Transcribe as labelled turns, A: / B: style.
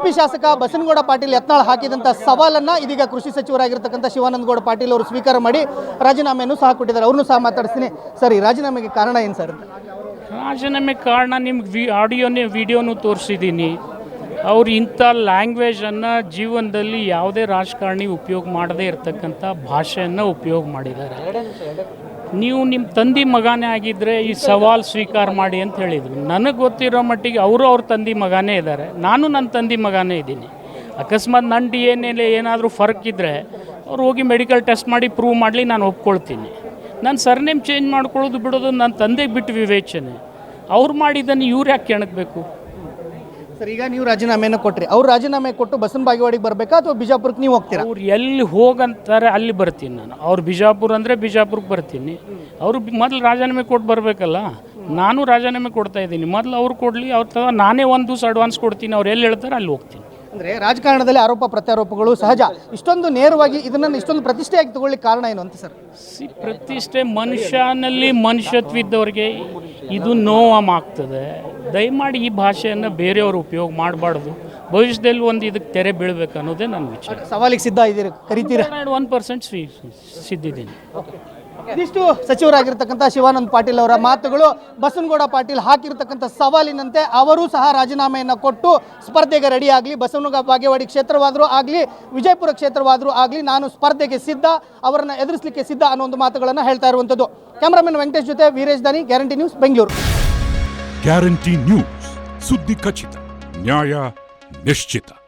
A: ಉಡುಪಿ ಶಾಸಕ ಬಸನಗೌಡ ಪಾಟೀಲ್ ಯತ್ನಾಳ್ ಹಾಕಿದಂಥ ಸವಾಲನ್ನು ಇದೀಗ ಕೃಷಿ ಸಚಿವರಾಗಿರ್ತಕ್ಕಂಥ ಶಿವಾನಂದಗೌಡ ಪಾಟೀಲ್ ಅವರು ಸ್ವೀಕಾರ ಮಾಡಿ ರಾಜೀನಾಮೆಯನ್ನು ಸಹ ಕೊಟ್ಟಿದ್ದಾರೆ. ಅವ್ರನ್ನೂ ಸಹ ಮಾತಾಡಿಸ್ತೀನಿ. ಸರ್, ಈ ರಾಜೀನಾಮೆಗೆ ಕಾರಣ ಏನು ಸರ್?
B: ರಾಜೀನಾಮೆ ಕಾರಣ ನಿಮ್ಗೆ ವಿಡಿಯೋನು ತೋರಿಸಿದ್ದೀನಿ. ಅವ್ರು ಇಂಥ ಲ್ಯಾಂಗ್ವೇಜನ್ನು ಜೀವನದಲ್ಲಿ ಯಾವುದೇ ರಾಜಕಾರಣಿ ಉಪಯೋಗ ಮಾಡದೇ ಇರತಕ್ಕಂಥ ಭಾಷೆಯನ್ನು ಉಪಯೋಗ ಮಾಡಿದ್ದಾರೆ. ನೀವು ನಿಮ್ಮ ತಂದೆ ಮಗನೇ ಆಗಿದ್ದರೆ ಈ ಸವಾಲು ಸ್ವೀಕಾರ ಮಾಡಿ ಅಂತ ಹೇಳಿದರು. ನನಗೆ ಗೊತ್ತಿರೋ ಮಟ್ಟಿಗೆ ಅವರು ಅವ್ರ ತಂದೆ ಮಗನೇ ಇದ್ದಾರೆ, ನಾನು ನನ್ನ ತಂದೆ ಮಗನೇ ಇದ್ದೀನಿ. ಅಕಸ್ಮಾತ್ ನನ್ನ DNA ಏನಾದರೂ ಫರ್ಕ್ ಇದ್ದರೆ ಅವ್ರು ಹೋಗಿ ಮೆಡಿಕಲ್ ಟೆಸ್ಟ್ ಮಾಡಿ ಪ್ರೂವ್ ಮಾಡಲಿ, ನಾನು ಒಪ್ಕೊಳ್ತೀನಿ. ನನ್ನ ಸರ್ನೇಮ್ ಚೇಂಜ್ ಮಾಡ್ಕೊಳ್ಳೋದು ಬಿಡೋದು ನನ್ನ ತಂದೆಗೆ ಬಿಟ್ಟು ವಿವೇಚನೆ. ಅವ್ರು ಮಾಡಿದ್ದನ್ನು ಇವ್ರು ಯಾಕೆ ಕೆಣಕಬೇಕು?
A: ಸರ್, ಈಗ ನೀವು ರಾಜೀನಾಮೆಯನ್ನು ಕೊಟ್ಟರೆ ಅವ್ರು ರಾಜೀನಾಮೆ ಕೊಟ್ಟು ಬಸವನ ಬಾಗೇವಾಡಿಗೆ ಬರಬೇಕಾ ಅಥವಾ ಬಿಜಾಪುರಕ್ಕೆ ನೀವು ಹೋಗ್ತೀರಾ?
B: ಅವ್ರು ಎಲ್ಲಿ ಹೋಗಂತಾರೆ ಅಲ್ಲಿ ಬರ್ತೀನಿ ನಾನು. ಅವ್ರು ಬಿಜಾಪುರ ಅಂದರೆ ಬಿಜಾಪುರಕ್ಕೆ ಬರ್ತೀನಿ. ಅವರು ಮೊದಲು ರಾಜೀನಾಮೆ ಕೊಟ್ಟು ಬರಬೇಕಲ್ಲ. ನಾನು ರಾಜೀನಾಮೆ ಕೊಡ್ತಾ ಇದ್ದೀನಿ, ಮೊದಲು ಅವ್ರು ಕೊಡಲಿ. ಅವ್ರ ನಾನೇ ಒಂದು ದಿವಸ ಅಡ್ವಾನ್ಸ್ ಕೊಡ್ತೀನಿ. ಅವ್ರು ಎಲ್ಲಿ ಹೇಳ್ತಾರೆ ಅಲ್ಲಿ ಹೋಗ್ತೀನಿ.
A: ಅಂದರೆ ರಾಜಕಾರಣದಲ್ಲಿ ಆರೋಪ ಪ್ರತ್ಯಾರೋಪಗಳು ಸಹಜ. ಇಷ್ಟೊಂದು ನೇರವಾಗಿ ಇದನ್ನು ಇಷ್ಟೊಂದು ಪ್ರತಿಷ್ಠೆಯಾಗಿ ತಗೊಳ್ಳಿಕ್ಕೆ ಕಾರಣ ಏನು ಅಂತ ಸರ್?
B: ಪ್ರತಿಷ್ಠೆ ಮನುಷ್ಯನಲ್ಲಿ ಮನುಷ್ಯತ್ವ ಇದ್ದವ್ರಿಗೆ ಇದು ನೋವಾಗ್ತದೆ. ದಯಮಾಡಿ ಈ ಭಾಷೆಯನ್ನು ಬೇರೆಯವರು ಉಪಯೋಗ ಮಾಡಬಾರ್ದು. ಭವಿಷ್ಯದಲ್ಲಿ ಒಂದು ಇದಕ್ಕೆ ತೆರೆ ಬೀಳಬೇಕು ಅನ್ನೋದೇ ನನ್ನ ವಿಚಾರ.
A: ಸವಾಲಿಗೆ ಸಿದ್ಧ ಇದ್ದೀರಿ, ಕರಿತೀರಾ?
B: 1% ಸಿದ್ಧಿದ್ದೀನಿ.
A: ಇದಿಷ್ಟು ಸಚಿವರಾಗಿರ್ತಕ್ಕಂಥ ಶಿವಾನಂದ ಪಾಟೀಲ್ ಅವರ ಮಾತುಗಳು. ಬಸನಗೌಡ ಪಾಟೀಲ್ ಹಾಕಿರ್ತಕ್ಕಂಥ ಸವಾಲಿನಂತೆ ಅವರೂ ಸಹ ರಾಜೀನಾಮೆಯನ್ನು ಕೊಟ್ಟು ಸ್ಪರ್ಧೆಗೆ ರೆಡಿ ಆಗಲಿ. ಬಸವನ ಬಾಗೇವಾಡಿ ಕ್ಷೇತ್ರವಾದರೂ ಆಗಲಿ, ವಿಜಯಪುರ ಕ್ಷೇತ್ರವಾದರೂ ಆಗಲಿ, ನಾನು ಸ್ಪರ್ಧೆಗೆ ಸಿದ್ಧ, ಅವರನ್ನು ಎದುರಿಸಲಿಕ್ಕೆ ಸಿದ್ಧ ಅನ್ನೋ ಒಂದು ಮಾತುಗಳನ್ನು ಹೇಳ್ತಾ ಇರುವಂಥದ್ದು. ಕ್ಯಾಮರಾಮನ್ ವೆಂಕಟೇಶ್ ಜೊತೆ Veeresh Dani, guarantee news, Bengaluru.
C: Guarantee news, ಸುದ್ದಿ ಖಚಿತ, ನ್ಯಾಯ ನಿಶ್ಚಿತ.